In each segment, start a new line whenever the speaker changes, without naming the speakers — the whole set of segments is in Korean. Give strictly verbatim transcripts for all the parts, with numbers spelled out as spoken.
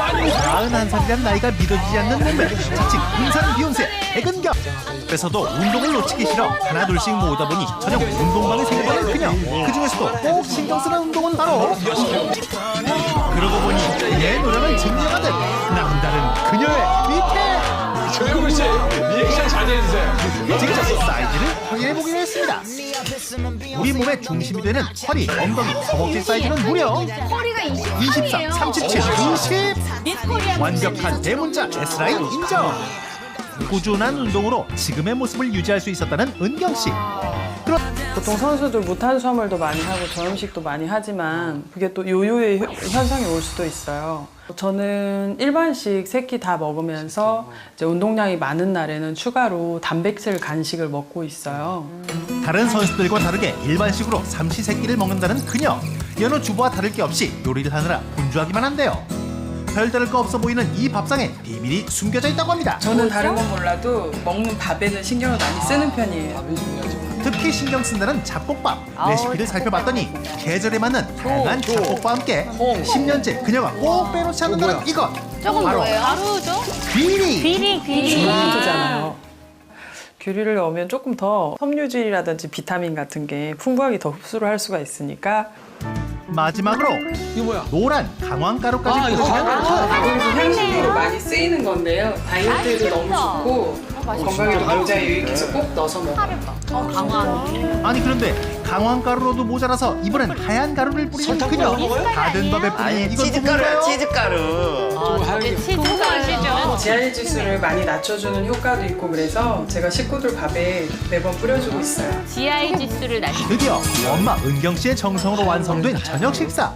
마흔한 살이란 나이가 믿어지지 않는 몸매, 자칭 등산 비욘세 백은경. 그래서도 운동을 놓치기 싫어 하나 둘씩 모으다 보니 전용 운동방을 생겨버린 그녀. 그중에서도 꼭 신경 쓰는 운동은 바로, 그러고 보니 내 노력을 증명하듯 남다른 그녀의 밑에
조영구 씨, 리액션 자제해 주세요.
직접 사이즈를 확인해보기로 했습니다. 우리 몸의 중심이 되는 허리, 엉덩이, 허벅지 사이즈는 무려
허리가
이십삼, 삼십칠, 이십.
미스코리아
완벽한 대문자 S라인 인정. 꾸준한 운동으로 지금의 모습을 유지할 수 있었다는 은경 씨. 그렇...
보통 선수들 무탄수화물도 많이 하고 저염식도 많이 하지만 그게 또 요요의 현상이 올 수도 있어요. 저는 일반식 세 끼 다 먹으면서 이제 운동량이 많은 날에는 추가로 단백질 간식을 먹고 있어요.
다른 선수들과 다르게 일반식으로 삼시세끼를 먹는다는 그녀. 여느 주부와 다를 게 없이 요리를 하느라 분주하기만 한데요. 별다를 거 없어 보이는 이 밥상에 비밀이 숨겨져 있다고 합니다.
저는 다른 건 몰라도 먹는 밥에는 신경을 많이 쓰는 편이에요.
특히 신경 쓴다는 잡곡밥. 레시피를 살펴봤더니 계절에 맞는 다양한 잡곡과 함께 십 년째 그녀가 꼭 빼놓지 않는다는 이것.
저건
바로
뭐예요? 가루죠?
귀리.
귀리, 귀리.
잖아요. 귤을 넣으면 조금 더 섬유질이라든지 비타민 같은 게 풍부하게 더 흡수를 할 수가 있으니까.
마지막으로
이거 뭐야?
노란 강황가루까지
아, 이거
가공식 향식으로 많이 쓰이는 건데요. 다이어트에도 너무 좋고 건강에도 굉장히 유익해서 꼭 넣어서 먹어요.
어, 강한.
아니 그런데 강황가루로도 모자라서 이번엔 하얀 가루를 뿌리는 그녀. 다된 밥에 뿌리는 이건
치즈가루, 치즈가루.
저게 치즈가루죠.
지알 지수를 많이 낮춰주는 효과도 있고 그래서 제가 식구들 밥에 매번 뿌려주고 있어요.
지아이 지수를 낮추.
드디어 엄마 은경 씨의 정성으로 완성된 저녁 식사.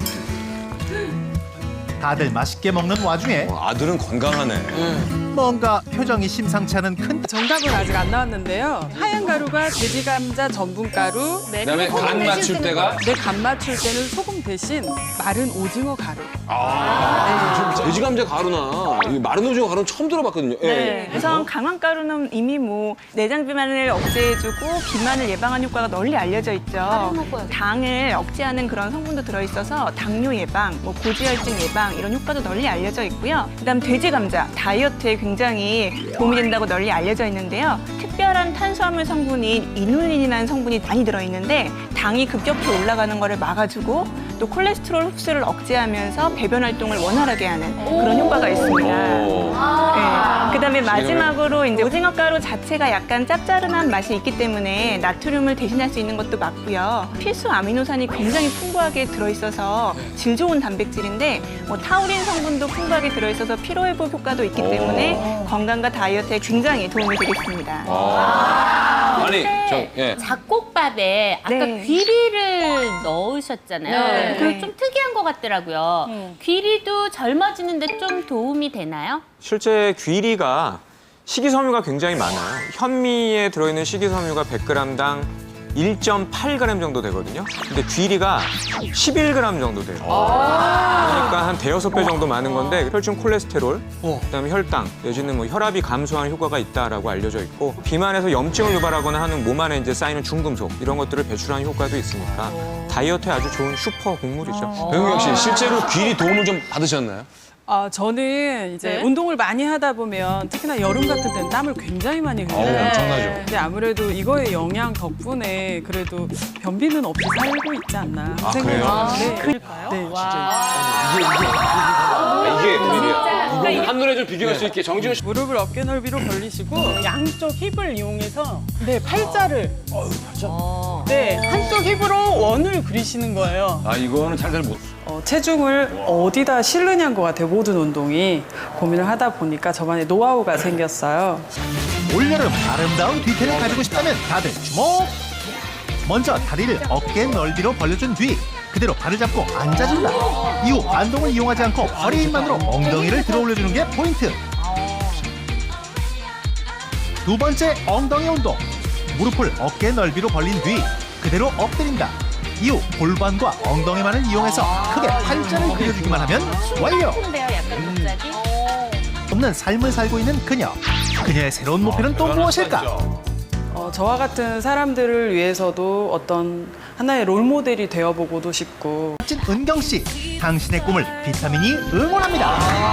다들 맛있게 먹는 와중에
아들은 건강하네.
뭔가 표정이 심상치 않은 큰
정답은 아직 안 나왔는데요. 하얀 가루가 돼지 감자 전분 가루.
그다음에 간 맞출 때가
내 간 맞출 때는 소금 대신 마른 오징어 가루.
돼지 감자 가루나 이 마른 오징어 가루는 처음 들어봤거든요. 예.
네, 우선 강황가루는 이미 뭐 내장 비만을 억제해주고 비만을 예방하는 효과가 널리 알려져 있죠. 당을 억제하는 그런 성분도 들어있어서 당뇨 예방, 뭐 고지혈증 예방 이런 효과도 널리 알려져 있고요. 그다음 돼지 감자, 다이어트에 굉장히 도움이 된다고 널리 알려져 있는데요. 특별한 탄수화물 성분인 이눌린이라는 성분이 많이 들어있는데 당이 급격히 올라가는 거를 막아주고 또 콜레스테롤 흡수를 억제하면서 배변 활동을 원활하게 하는 그런 효과가 있습니다. 네. 그다음에 마지막으로 이제 오징어 가루 자체가 약간 짭짜름한 맛이 있기 때문에 나트륨을 대신할 수 있는 것도 맞고요. 필수 아미노산이 굉장히 풍부하게 들어있어서 질 좋은 단백질인데 뭐 타우린 성분도 풍부하게 들어있어서 피로 회복 효과도 있기 때문에 건강과 다이어트에 굉장히 도움이 되겠습니다.
아니, 저 예.
잡곡밥에 아까
네.
귀리를 넣으셨잖아요.
네.
그거 좀 특이한 것 같더라고요. 귀리도 젊어지는데 좀 도움이 되나요?
실제 귀리가 식이섬유가 굉장히 많아요. 현미에 들어있는 식이섬유가 백 그램당 일 점 팔 그램 정도 되거든요. 근데 귀리가 십일 그램 정도 돼요. 그러니까 한 대여섯 배 정도 많은 건데 혈중 콜레스테롤, 그다음에 혈당, 내지는 뭐 혈압이 감소하는 효과가 있다라고 알려져 있고 비만에서 염증을 유발하거나 하는 몸 안에 이제 쌓이는 중금속 이런 것들을 배출하는 효과도 있으니까 다이어트에 아주 좋은 슈퍼 곡물이죠.
배우경 씨 실제로 귀리 도움을 좀 받으셨나요?
아, 저는 이제
네?
운동을 많이 하다 보면 특히나 여름 같은 때는 땀을 굉장히 많이 흘려요.
어우, 엄청나죠.
근데 아무래도 이거의 영향 덕분에 그래도 변비는 없이 살고 있지 않나
아,
생각이
그래요?
드는데. 네.
이게 비밀이야. 한눈에 좀 비교할 수 있게 정지훈 씨.
무릎을 어깨 넓이로 벌리시고 양쪽 힙을 이용해서 네 팔자를 네 한쪽 힙으로 원을 그리시는 거예요.
아 이거는 잘 잘 못.
어, 체중을 어디다 실느냐인 것 같아요. 모든 운동이 고민을 하다 보니까 저만의 노하우가 생겼어요.
올여름 아름다운 뒤태를 가지고 싶다면 다들 주목! 먼저 다리를 어깨 넓이로 벌려준 뒤 그대로 발을 잡고 앉아준다. 이후 반동을 이용하지 않고 허리 힘만으로 엉덩이를 들어 올려주는 게 포인트. 두 번째 엉덩이 운동. 무릎을 어깨 넓이로 벌린 뒤 그대로 엎드린다. 이후 골반과 엉덩이만을 이용해서 크게 팔자를 그려주기만 하면 완료!
근데요, 약간 갑자기.
없는 삶을 살고 있는 그녀. 그녀의 새로운 목표는 또 무엇일까?
어, 저와 같은 사람들을 위해서도 어떤 하나의 롤모델이 되어보고도 싶고
멋진 은경 씨, 당신의 꿈을 비타민이 응원합니다.